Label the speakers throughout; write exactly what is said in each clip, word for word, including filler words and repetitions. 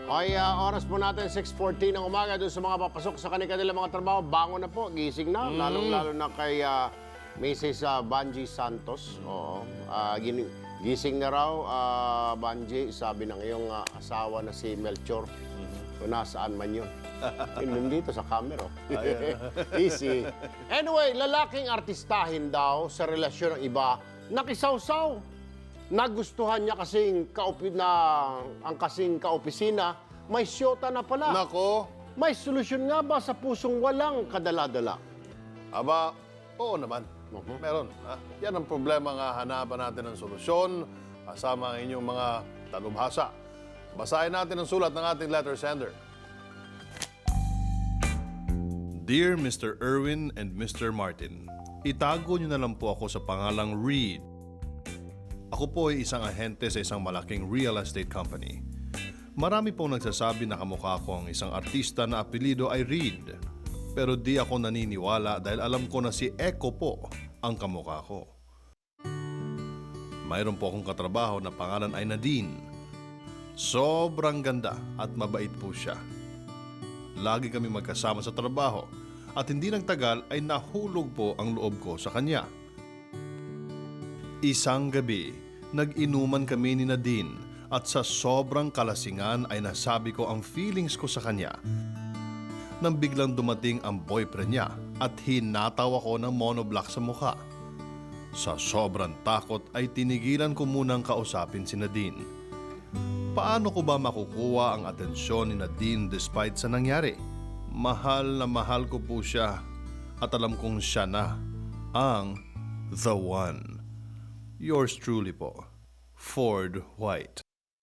Speaker 1: Okay, ah, oras po natin, six fourteen ng umaga. Doon sa mga papasok sa kanilang mga trabaho, bangon na po, gising na. Lalong-lalo na kay uh, Missus Uh, Banji Santos. Oo. Ah, gini- gising na raw, ah, Banji, sabi ng iyong ah, asawa na si Melchor. Kung nasaan man yun. Yun dito sa camera. Easy. Anyway, lalaking artistahin daw sa relasyon ng iba, nakisawsaw. Nagustuhan niya kasing kaupi na ang kasing kaopisina, may siyota na pala.
Speaker 2: Nako,
Speaker 1: May solusyon nga ba sa pusong walang kadala-dala?
Speaker 2: aba, oo naman.
Speaker 1: Mhm.
Speaker 2: Meron. Ha? Yan ang problema nga hanapan natin ng solusyon kasama ang inyong mga talubhasa. Basahin natin ang sulat ng ating letter sender.
Speaker 3: Dear Mister Erwin and Mister Martin, itago niyo na lang po ako sa pangalang Reed. Ako po ay isang ahente sa isang malaking real estate company. Marami pong nagsasabi na kamukha ko ang isang artista na apelido ay Reed. Pero di ako naniniwala dahil alam ko na si Echo po ang kamukha ko. Mayroon po akong katrabaho na pangalan ay Nadine. Sobrang ganda at mabait po siya. Lagi kami magkasama sa trabaho at hindi nagtagal ay nahulog po ang loob ko sa kanya. Isang gabi, nag-inuman kami ni Nadine at sa sobrang kalasingan ay nasabi ko ang feelings ko sa kanya. Nang biglang dumating ang boyfriend niya at hinataw ako ng monoblock sa mukha. Sa sobrang takot ay tinigilan ko munang kausapin si Nadine. Paano ko ba makukuha ang atensyon ni Nadine despite sa nangyari? Mahal na mahal ko po siya at alam kong siya na ang the one. Yours truly po, Ford White.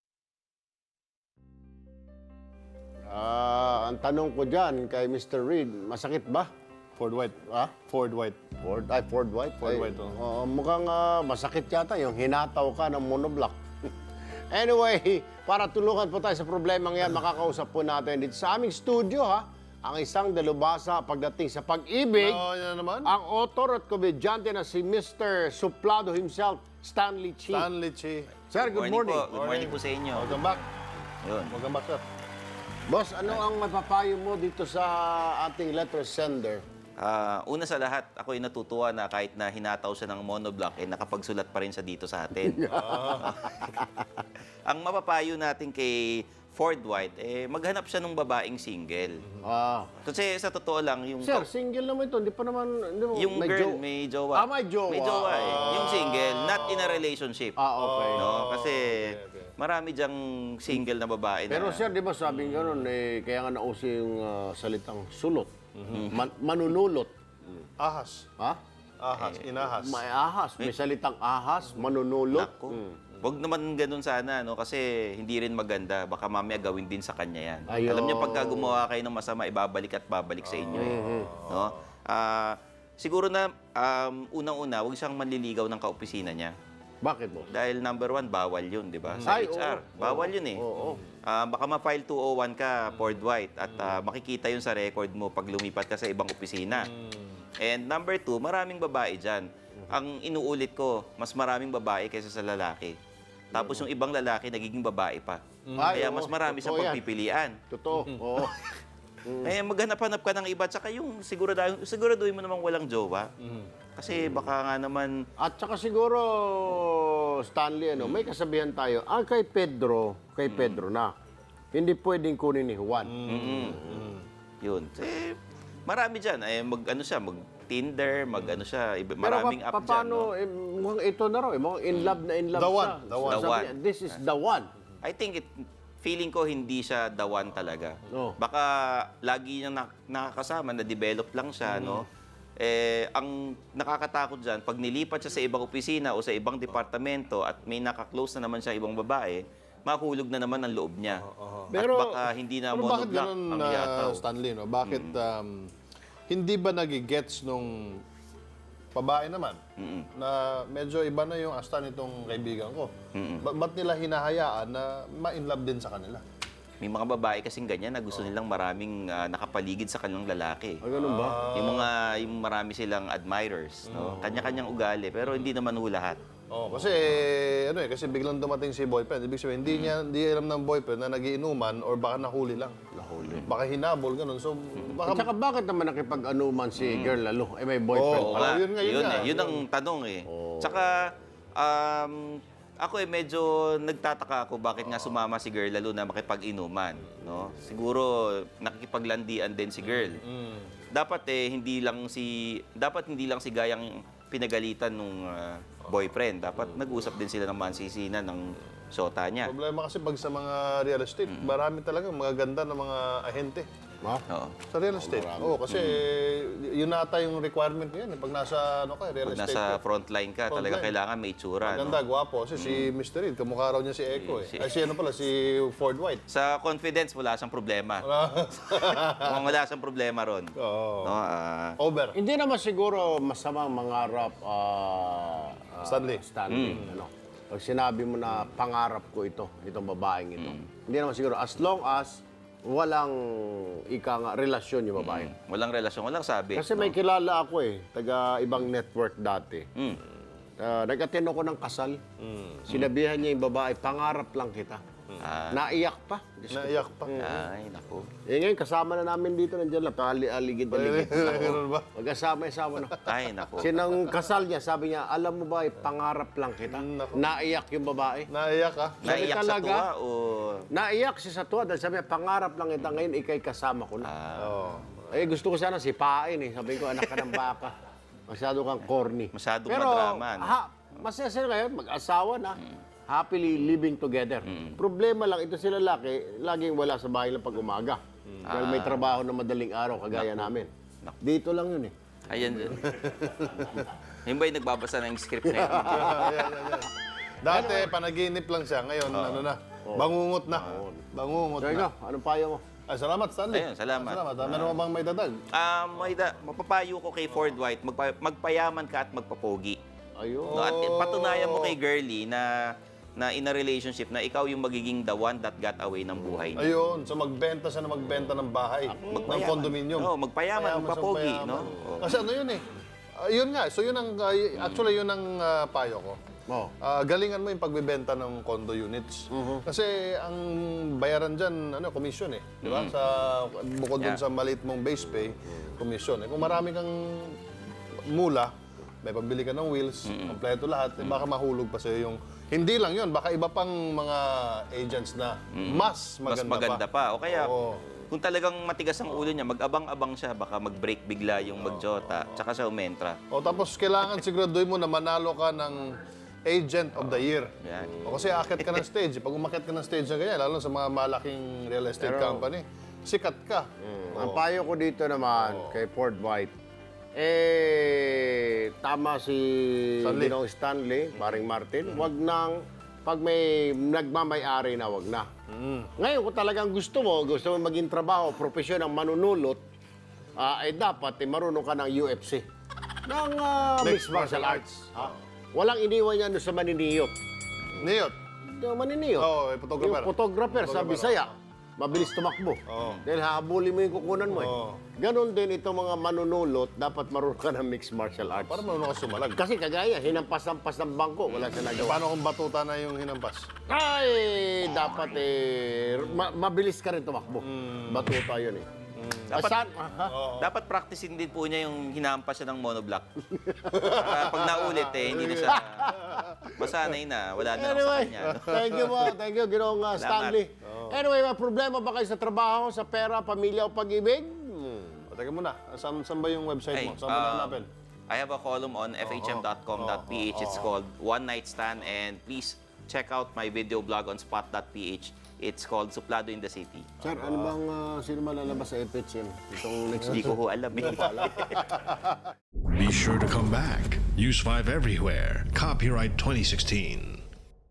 Speaker 1: Ah, ang tanong ko dyan kay Mister Reed, masakit ba?
Speaker 2: Ford White.
Speaker 1: Ha?
Speaker 2: Ford White.
Speaker 1: Ford, ay, Ford White?
Speaker 2: Ford
Speaker 1: Ay,
Speaker 2: White, oh.
Speaker 1: oo, mukhang ah, masakit yata yung hinataw ka ng monoblock. Anyway, para tulungan po tayo sa problemang yan, makakausap po natin dito sa aming studio, ha? Ang isang dalubhasa pagdating sa pag-ibig,
Speaker 2: Oo, yan naman.
Speaker 1: ang author at komedyante na si Mister Suplado himself, Stanley Chi.
Speaker 2: Stanley Chi.
Speaker 1: Sir, good morning.
Speaker 4: po. Good morning po sa inyo.
Speaker 2: Welcome back.
Speaker 4: Yun.
Speaker 2: Welcome back, sir.
Speaker 1: Boss, ano ang mapapayo mo dito sa ating letter sender?
Speaker 4: Ah, una sa lahat, ako ay natutuwa na kahit na hinataw siya ng monoblock, eh, nakapagsulat pa rin siya dito sa atin. Ang mapapayo natin kay Ford White, eh, maghanap siya ng babaeng single.
Speaker 1: Ah.
Speaker 4: Kasi sa totoo lang, yung...
Speaker 1: Sir, single naman ito. Hindi pa naman... Hindi mo,
Speaker 4: yung
Speaker 1: may
Speaker 4: girl,
Speaker 1: jo-
Speaker 4: may jowa.
Speaker 1: Ah, may jowa.
Speaker 4: May jowa eh. Yung single, not in a relationship.
Speaker 1: Ah, okay.
Speaker 4: No? Kasi marami diyang single na babae
Speaker 1: Pero
Speaker 4: na...
Speaker 1: sir, di ba sabi nga nun, eh, kaya nga nauso yung ah, salitang sulot. Man- manunulot.
Speaker 2: Ahas.
Speaker 1: Ha?
Speaker 2: Ahas. Inahas.
Speaker 1: May ahas. May salitang ahas, manunulot.
Speaker 4: Naku.
Speaker 1: Mm.
Speaker 4: Huwag naman ganun sana, no? Kasi hindi rin maganda. Baka mamaya gawin din sa kanya yan.
Speaker 1: Ayun.
Speaker 4: Alam niyo, pagka gumawa kayo ng masama, ibabalik at babalik sa inyo. Eh. No? Ah, siguro na, um, unang-una, huwag siyang manliligaw ng kaopisina niya.
Speaker 1: Bakit mo?
Speaker 4: Dahil number one, bawal yun, di ba? Sa
Speaker 1: Ay,
Speaker 4: H R.
Speaker 1: oo.
Speaker 4: Bawal yun eh.
Speaker 1: Oo.
Speaker 4: Ah, baka ma-file two oh one ka, Ford White, at ah, makikita yun sa record mo pag lumipat ka sa ibang opisina. And number two, maraming babae dyan. Ang inuulit ko, mas maraming babae kaysa sa lalaki. Tapos yung ibang lalaki, nagiging babae pa.
Speaker 1: Ay,
Speaker 4: Kaya
Speaker 1: oo.
Speaker 4: mas marami sa
Speaker 1: Totoo yan.
Speaker 4: pagpipilian.
Speaker 1: Totoo. Oo.
Speaker 4: Eh, maghanap-hanap ka ng iba. Tsaka yung sigurado, siguraduhin mo namang walang jowa. Kasi baka nga naman,
Speaker 1: At saka siguro, Stanley, ano, may kasabihan tayo, ah, kay Pedro, kay Pedro na, hindi pwedeng kunin ni Juan.
Speaker 4: yun. Eh, marami dyan. Eh, mag, ano siya, mag-Tinder, mag, ano siya, iba-
Speaker 1: Pero
Speaker 4: maraming
Speaker 1: pa,
Speaker 4: app dyan.
Speaker 1: paano,
Speaker 4: No?
Speaker 1: eh, mukhang ito na raw, eh, mukhang in love na in love
Speaker 2: The
Speaker 1: siya.
Speaker 2: one, the one.
Speaker 4: The
Speaker 1: Sabi
Speaker 4: one.
Speaker 1: niya, this is the one.
Speaker 4: I think it, feeling ko hindi siya the one talaga.
Speaker 1: Oh.
Speaker 4: Baka lagi niyang nak- nakakasama, na-develop lang siya, no? Eh, ang nakakatakot dyan, pag nilipat siya sa ibang opisina o sa ibang departamento at may nakaklose na naman siya ibang babae, mahulog na naman ang loob niya.
Speaker 1: Pero-
Speaker 4: at baka hindi na
Speaker 2: Pero bakit
Speaker 4: monoblock
Speaker 2: ganun,
Speaker 4: ang
Speaker 2: na
Speaker 4: yataw.
Speaker 2: Stanley, no? Bakit um, hindi ba nagigets nung babae naman na medyo iba na yung asta nitong kaibigan ko? Ba- ba't nila hinahayaan na ma-inlove din sa kanila?
Speaker 4: May mga babae kasing ganyan na gusto nilang maraming ah, nakapaligid sa kanilang lalaki.
Speaker 1: Ah, ganun ba?
Speaker 4: Yung mga yung marami silang admirers, no? Kanya-kanyang ugali pero hindi naman ho lahat.
Speaker 2: Oh, kasi ano eh, kasi biglang dumating si boyfriend. Ibig sabihin, hindi niya hindi alam ng boyfriend na nagiinuman or baka nahuli lang.
Speaker 1: Nahuli.
Speaker 2: Baka hinabol ganun. So
Speaker 1: At
Speaker 2: baka
Speaker 1: saka bakit naman nakipag-anuman si girl lalo? Eh, may boyfriend
Speaker 2: Oo,
Speaker 1: pa.
Speaker 4: nga.
Speaker 2: yun nga, yun
Speaker 4: yun,
Speaker 2: nga.
Speaker 4: eh. Yun ang tanong eh. Tsaka, um, ako eh medyo nagtataka ako bakit nga sumama si girl lalo na makipag-inuman. No? Siguro nakikipaglandian din si girl. Dapat eh hindi lang si dapat hindi lang si Gayang pinagalitan nung ah, boyfriend. Dapat nag-usap din sila ng mansisinan ng sota niya.
Speaker 2: problema kasi pag sa mga real estate, marami talaga mga ganda ng mga ahente.
Speaker 1: Ha?
Speaker 4: Oo.
Speaker 2: Sa real estate. Oo, kasi yun nata yung requirement ngayon. eh. Pag nasa ano ka, real
Speaker 4: Pag
Speaker 2: estate
Speaker 4: nasa
Speaker 2: ka.
Speaker 4: frontline ka,
Speaker 2: Frontline.
Speaker 4: talaga kailangan may itsura.
Speaker 2: Maganda,
Speaker 4: No?
Speaker 2: gwapo. Kasi si mister Reed, kamukha raw niya si Echo eh.
Speaker 4: Si-
Speaker 2: Ay, si ano pala, si Ford White.
Speaker 4: Sa confidence, wala siyang problema. Mukhang wala siyang problema ron.
Speaker 2: Oo.
Speaker 4: No? ah,
Speaker 2: Over.
Speaker 1: Hindi naman siguro masamang mangarap ah, ah,
Speaker 2: Stanley.
Speaker 1: Stanley. Ano? Pag sinabi mo na pangarap ko ito, itong babaeng ito. Hindi naman siguro as long as walang ika nga relasyon yung babae.
Speaker 4: walang relasyon, walang sabi.
Speaker 1: Kasi may kilala ako eh, taga ibang network dati.
Speaker 4: Mm.
Speaker 1: Uh, nag-attend ako ng kasal. Sinabihan niya yung babae, pangarap lang kita.
Speaker 4: Ah.
Speaker 1: Naiyak pa. Diyos ko.
Speaker 2: Naiyak pa.
Speaker 4: Ay, naku.
Speaker 1: Eh ngayon, kasama na namin dito, nandiyan lang, pali-aligid-aligid.
Speaker 2: Ganun ba?
Speaker 1: Mag-asama-asama na.
Speaker 4: Ay, naku.
Speaker 1: Sinang kasal niya, sabi niya, alam mo ba, eh, pangarap lang kita. Naiyak yung babae.
Speaker 2: Naiyak ka?
Speaker 4: Naiyak sa
Speaker 1: talaga?
Speaker 4: tuwa o...
Speaker 1: Naiyak siya sa tuwa dahil sabi niya, pangarap lang kita ngayon, ikay kasama ko na.
Speaker 2: Oo.
Speaker 1: Eh, gusto ko sana sipain eh. Sabi ko, anak ka ng baka. Masyado kang corny.
Speaker 4: Masyadong
Speaker 1: Pero,
Speaker 4: madrama, no?
Speaker 1: ha, masaya sila ngayon, mag-asawa na. Happily living together. Problema lang, ito sila laki, laging wala sa bahay lang pag umaga. Dahil may trabaho na madaling araw, kagaya namin. Dito lang yun eh.
Speaker 4: Ayan din. Yung ba yung nagbabasa ng script na yun?
Speaker 2: Ayan, ayan, ayan. Dati, panaginip lang siya. Ngayon, ano na, bangungot na. Bangungot
Speaker 1: So,
Speaker 2: na.
Speaker 1: ikaw, anong payo mo?
Speaker 2: Ay, salamat, Stanley.
Speaker 4: Ayun, salamat.
Speaker 2: Salamat. Ah, meron mo bang may dadag?
Speaker 4: Ah, may da, mapapayo ko kay Ford White, magpa, magpayaman ka at magpapogi.
Speaker 1: Ayun.
Speaker 4: No, at patunayan mo kay girlie na na in a relationship na ikaw yung magiging the one that got away ng buhay niya.
Speaker 2: Ayun, so magbenta siya na magbenta ng bahay, ng condominium.
Speaker 4: Oo, magpayaman,
Speaker 2: Payaman siya,
Speaker 4: magpapogi,
Speaker 2: payaman.
Speaker 4: no? Oo.
Speaker 2: Kasi ano yun eh, ah, yun nga, so yun ang, ah, y- actually yun ang ah, payo ko.
Speaker 1: Oh.
Speaker 2: Ah, galingan mo yung pagbebenta ng condo units. Kasi ang bayaran dyan, ano, commission eh. Di ba? Sa, bukod dun
Speaker 4: Yeah.
Speaker 2: sa maliit mong base pay, commission. Eh, kung marami kang mula, may pambili ka ng wheels, kompleto lahat, eh, baka mahulog pa sa'yo yung... Hindi lang yun, baka iba pang mga agents na mas
Speaker 4: Mas
Speaker 2: maganda,
Speaker 4: maganda pa. O kaya,
Speaker 2: Oo.
Speaker 4: kung talagang matigas ang ulo niya, mag-abang-abang siya, baka mag-break bigla yung magjota, tsaka siya umentra.
Speaker 2: O tapos kailangan siguraduhin mo na manalo ka ng Agent of the Year.
Speaker 4: Yan.
Speaker 2: O kasi akit ka ng stage. Pag umakit ka ng stage na ganyan, lalo sa mga malaking real estate
Speaker 1: Pero-
Speaker 2: company, sikat ka.
Speaker 1: Ang payo ko dito naman kay Ford White, eh, tama si
Speaker 2: Stanley.
Speaker 1: Ginong Stanley, paring Martin, wag nang, pag may nagmamay-ari na, wag na. Ngayon, kung talagang gusto mo, gusto mo maging trabaho, profesyon ng manunulot, ah, eh dapat eh, marunong ka ng U F C. Ng ah, mixed martial arts. Ha? Walang iniwan yan doon sa maniniyot.
Speaker 2: Niyot.
Speaker 1: Yung maniniyot.
Speaker 2: Oo, eh, photographer.
Speaker 1: Yung photographer sa Bisaya, mabilis tumakbo.
Speaker 2: Oo.
Speaker 1: Dahil hahabulin mo yung kukunan mo eh.
Speaker 2: Oo.
Speaker 1: Ganon din itong mga manunulot, dapat marunong ka ng mixed martial arts.
Speaker 2: Para marunong ka sumalag.
Speaker 1: Kasi kagaya, hinampas-ampas ng bangko, wala siya nagawa.
Speaker 2: Paano kung batuta na yung hinampas?
Speaker 1: Ay, dapat eh, ma- mabilis ka rin tumakbo.
Speaker 2: Hmm.
Speaker 1: Batuta yun eh.
Speaker 4: Dapat-
Speaker 1: Asan? Aha.
Speaker 4: Dapat practicein din po niya yung hinampas siya ng monoblock. Para pag naulit eh, hindi na siya masanay na. Wala na lang sa
Speaker 1: Anyway,
Speaker 4: kanya. no?
Speaker 1: thank you mo. Thank you, Ginoong uh,
Speaker 4: Salamat.
Speaker 1: Stanley. Anyway, may problema ba kayo sa trabaho, sa pera, pamilya o pag-ibig?
Speaker 2: O, teka muna, saan, saan ba yung website
Speaker 4: Ay,
Speaker 2: mo? Saan mo
Speaker 4: um,
Speaker 2: hanapin?
Speaker 4: I have a column on f h m dot com dot p h. It's called One Night Stand, and please check out my video blog on spot dot p h. It's called Suplado in the City.
Speaker 1: Sir, ano bang uh, sino malalabas sa F H M? Itong next
Speaker 4: Hindi ko ho alam eh.
Speaker 3: Be sure to come back. Use five everywhere. Copyright twenty sixteen.